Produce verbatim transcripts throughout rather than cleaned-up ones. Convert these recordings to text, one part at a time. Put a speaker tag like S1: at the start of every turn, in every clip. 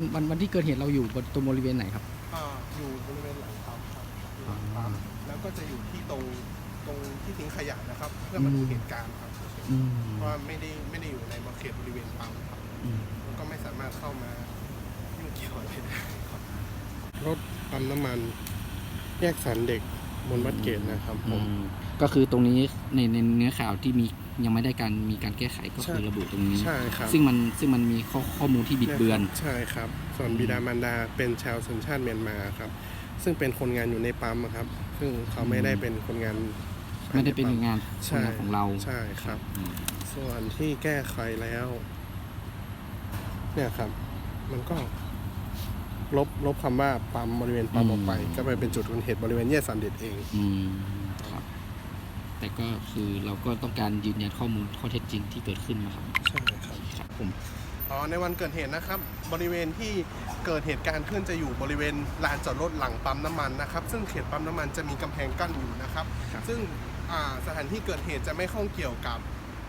S1: วันวันที่เกิดเหตุเราอยู่บนตรงบริเวณไหนครับ
S2: อ่าอยู่บริเวณหลังปั๊มครับอยู่หลังปั๊มแล้วก็จะอยู่ที่ตรงตรงที่ทิ้งขยะนะครับ เพื่อมาดูเหตุการณ์ครับเพราะว่าไม่ได้ไม่ได้อยู่ในเขตบริเวณปั๊มครับแล้วก็ไม่สามารถเข้ามายุ่งเกี่ยวอะไรได้ครับรถปั๊มน้ำมันแยกสันเด็กบนวัดเกตนะครับผม
S1: ก็คือตรงนี้ในในเนื้อข่าวที่มียังไม่ได้การมีการแก้ไขก็คือระบุตรงนี้
S2: ใช่ครับ
S1: ซึ่งมันซึ่งมันมีข้อข้อมูลที่บิดเบือน
S2: ใช่ครับส่วนบิดามารดาเป็นชาวสัญชาติเมียนมาครับซึ่งเป็นคนงานอยู่ในปั๊มครับซึ่งเขาไม่ได้เป็นคนงาน
S1: ไม่ได้เป็นงานคนงานของเรา
S2: ใช่ครับส่วนที่แก้ไขแล้วเนี่ยครับมันก็ลบลบคำว่าปั๊มบริเวณปั๊มออกไปก็ไปเป็นจุดเกิดเหตุบริเวณแยกสันเด็ดเอง
S1: อืมครับแต่ก็คือเราก็ต้องการยืนยันข้อมูลข้อเท็จจริงที่เกิดขึ้นนะครับ
S2: ใช่ครับ
S1: ครับผม
S2: อ๋อในวันเกิดเหตุนะครับบริเวณที่เกิดเหตุการณ์ขึ้นจะอยู่บริเวณลานจอดรถหลังปั๊มน้ำมันนะครับซึ่งเขตปั๊มน้ำมันจะมีกำแพงกั้นอยู่นะครับซึ่งสถานที่เกิดเหตุจะไม่ข้องเกี่ยวกับ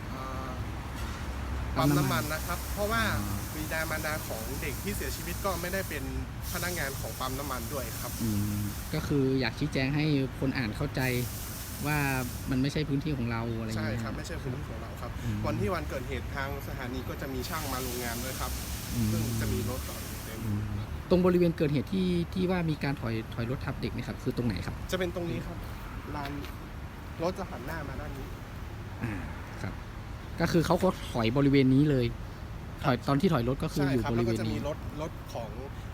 S2: ปั๊มน้ำมันนะครับเพราะว่าบิดามารดาของเด็กที่เสียชีวิตก็ไม่ได้เป็นพนักงานของปั๊มน้ำมันด้วยครับ
S1: ก็คืออยากชี้แจงให้คนอ่านเข้าใจว่ามันไม่ใช่พื้นที่ของเราอะไรอย่าง
S2: เงี้ยใช่
S1: ค
S2: รับไม่ใช่พื้นที่ของเราครับวันที่วันเกิดเหตุทางสถานีก็จะมีช่างมาโรงงานด้วยครับซึ่งจะมีรถจอดอยู่เต็ม
S1: ตรงบริเวณเกิดเหตุที่ที่ว่ามีการถอยถอยรถทับเด็กนี่ครับคือตรงไหนครับ
S2: จะเป็นตรงนี้ครับลานรถจะหันหน้ามาด้านนี้
S1: อ่าครับก็คือเขาก็ถอยบริเวณนี้เลยถอยตอนที่ถอยรถก็คืออยู่บริเวณนี้แล้วก็
S2: จะมีรถรถของ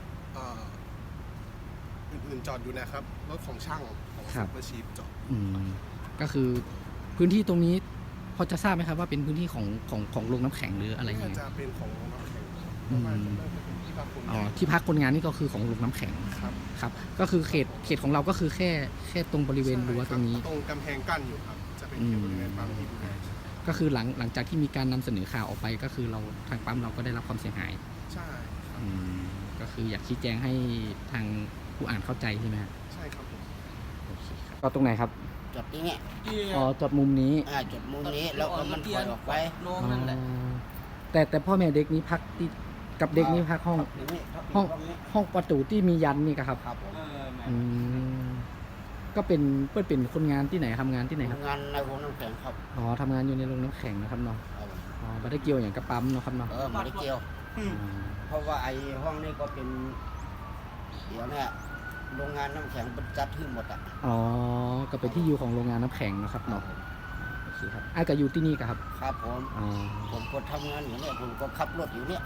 S2: อื่นๆจอดอยู่นะครับรถของช่างของซุปเปอร์ชีฟจอด
S1: ก็คือพื้นที่ตรงนี้พอจะทราบไหมครับว่าเป็นพื้นที่ของของของโรงน้ำแข็งหรืออะไรเงี้ย
S2: จะเป็นของโรงน้ำแข็ง
S1: อ๋อที่พักคนงานนี่ก็คือของโรงน้ำแข็ง
S2: ครับ
S1: ครับก็คือเขตเขตของเราก็คือแค่แค่ตรงบริเวณรั้วตรงนี้
S2: ตรงกำแพงกั้นอยู่ครับจะเป็นเขตบริเวณปั๊มที่ดูแล
S1: ก็คือหลังหลังจากที่มีการนำเสนอข่าวออกไปก็คือเราทางปั๊มเราก็ได้รับความเสียหาย
S2: ใช่ครับ
S1: ก็คืออยากชี้แจงให้ทางผู้อ่านเข้าใจใช่ไหม
S2: ใช่ครับ
S1: โอเคครับก็ตรงไหนครับ
S3: จดที่นี่
S1: อ๋อจดมุมนี้
S3: อ่าจดมุมนี้แล้วก็มันถอยออกไป
S1: แต่แต่พ่อแม่เด็กนี้พักที่กับเด็กนี้พักห้องห้องห้องประตูที่มียันนี่ครับ
S3: ครับผม
S1: ก็เป็นเพื่อนเป็นคนงานที่ไหนทำงานที่ไหนครับ
S3: งานในโรงน้ำแข็งครับ
S1: อ๋อทำงานอยู่ในโรงน้ำแข็งนะครับเนาะอ๋อไม่ได้เกี่ยวอย่างกระปั๊มเนาะครับเนาะ
S3: เออไม่ได้เกี่ยวเพราะว่าไอ้ห้องนี้ก็เป็นเดี๋ยวเนี่ยโรงงานน้ำแข็งเป็นจัดที่หมดอ่ะ
S1: อ๋อก็เป็นที่อยู่ของโรงงานน้ำแข็งนะครับเนาะโอเคครับไอ้ก็อยู่ที่นี่ครับ
S3: ครับผมผมก็ทำงานอยู่เนี่ยผมก็ขับรถอยู่เนี่ย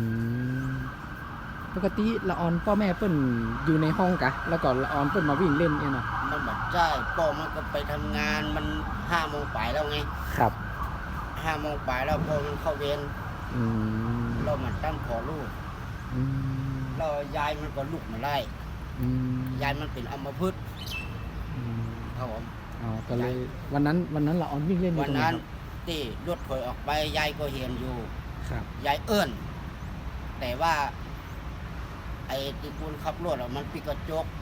S1: ปกติละออนพ่อแม่เปิ้นอยู่ในห้องกะแล้วก็ละออนเปิ้นมาวิ่งเล่นเนี่ยเนาะ
S3: มันแบบใช่พ่อมันก็ไปทำงานมันห้าโมงป่ายแล้วไง
S1: ครับ
S3: ห้าโมงป่ายแล้วพ่อมันเข้าเวรเรามันตั้งขอลูกเรายายมันก็ลุกมาไล่ยายมันเป็นอัมพฤกษ์ครับผม
S1: อ๋อก็เลยวันนั้นวันนั้นละออนวิ่งเล่นอยู่
S3: ตรงไหนครับวันนั้นที่รถถอยออกไปยายก็เห็นอยู่
S1: ครับ
S3: ยายเอิ้นแต่ว่าไอ้ที่คุณขับรถอ่ะมันปิดกระจก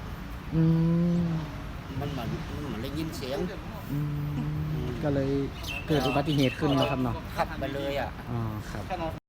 S3: มันเหมือนเหมือนได้ยินเสียง
S1: ก็เลยเกิดอุบัติเหตุขึ้นนะครับเนาะ
S3: ขับไปเลยอ่ะ
S1: อ๋อครับ